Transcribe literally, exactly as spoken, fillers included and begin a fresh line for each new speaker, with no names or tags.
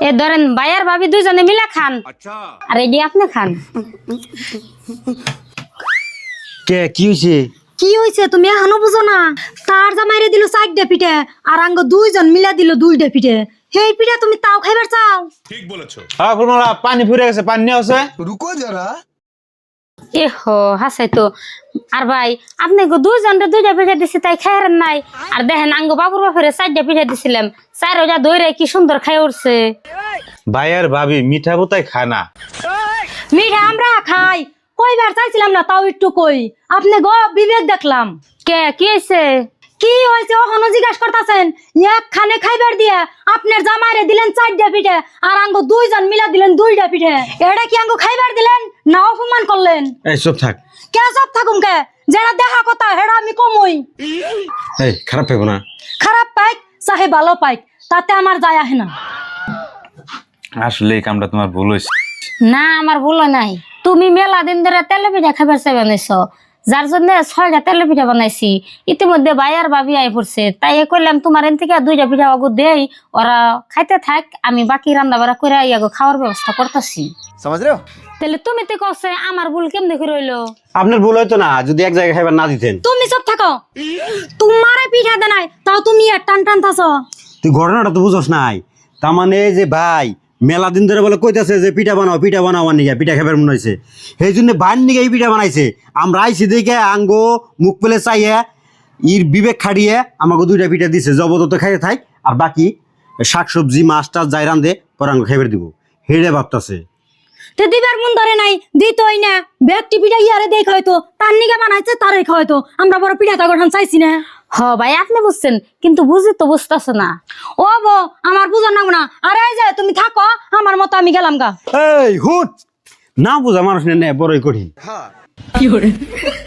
এ ধরেন ভাইয়ার ভাবি দুইজনে মিলে খান আর এডি আপনি খান।
কে কি হইছে?
কি হইছে তুমি এখনো বুঝো না? তার জামাইরে দিল চারটা পিঠে আর আঙ্গ দুইজন মিলা দিল দুইটা পিঠে। সেই পিঠা তুমি তাও খাইবার চাও?
ঠিক বলেছো।
হ্যাঁ ফুলমালা, পানি ফুরে গেছে, পানি নিয়ে আসে।
রুকো যারা।
এ হো হাসাই তো। আর ভাই আপনি গো দুইজনরে দুইটা পিঠা দিছি তাই খাইরেন নাই। আর দেখেন আঙ্গ বাবুর বাপেরে চারটা পিঠা দিছিলাম, চার ওজা দইরে কি সুন্দর খাই উঠছে।
ভাইয়ার ভাবি মিঠা বোতাই খায় না।
মিঠা আমরা খাই, কইবার চাইছিলাম না তাও একটু কই। আপনি গো বিবেক দেখলাম।
কে কি হয়েছে?
কি হয়েছে ওখানে জিজ্ঞাসা করতেছেন? একখানে খাইবার দিয়ে আপনার জামাইরে দিলেন চারটা পিঠে আর আঙ্গ দুইজন মিলা দিলেন দুইটা পিঠে। এটা কি আঙ্গ খাইবার দিলেন না অপমান করলেন?
এই চুপ থাক।
কে সব থাকুম কে, যেটা দেখা কথা হেডা আমি কমই।
এই খারাপ পাইব না।
খারাপ পাইক চাহে ভালো পাইক তাতে আমার যায় আহে না।
আসলে এই কামটা তোমার ভুল হয়েছে।
না আমার ভুল নাই, তুমি মেলা দিন ধরে তেলে পিঠা খাবার চাই বানাইছো, যার জন্য ছয়টা তেলে পিঠা বানাইছি। ইতিমধ্যে ভাই আর ভাবি আই পড়ছে, তাই এ করলাম তোমার এন থেকে দুইটা পিঠা আগু দেই, ওরা খাইতে থাক, আমি বাকি রান্না বাড়া করে ইয়াগো খাওয়ার ব্যবস্থা করতেছি।
समझ रहे हो?
তাহলে তুমি তো কছে আমার ভুল কেমনে করে হইলো?
আপনার ভুল হইতো না যদি এক জায়গায় খাইবার না দিতেন।
তুমি সব থাকো, তোমারে পিঠা দে নাই তাও তুমি আর টান টান থাসো।
তুই ঘটনাটা তো বুঝস নাই। তার মানে যে ভাই মেলা দিন ধরে বলে কইতাছে যে পিঠা বানাও পিঠা বানাও, আমার নিগা পিঠা খাবার মনে হয়েছে, সেই জন্য ভাইয়ের নিগে এই পিঠা বানাইছে। আমরা আইসি দেখে আঙ্গো মুখ পেলে চাইয়ে ইর বিবেক খাড়িয়ে আমাকে দুইটা পিঠা দিছে, জবরদস্ত খাইতে থাক, আর বাকি শাকসবজি মাছ টাছ যাই রান্ধে পরে আঙ্গো খাইবার দিব, হেড়ে ভাবতাছে।
তে দিবার মন ধরে নাই, দিতই না। ব্যক্তি পিঠা ইয়ারে দেখ হয়তো তার নিগে বানাইছে তারে হয়তো, আমরা বড় পিঠা তা গঠন চাইছি না।
হ ভাই আপনি বুঝছেন, কিন্তু বুঝি তো বুঝতেছো না।
ও বো আমার বুঝার নাম না। আরে এই যে তুমি থাকো, আমার মতো আমি গেলাম গা।
এই হুট না বুঝা মানুষ নে বড়ই কঠিন।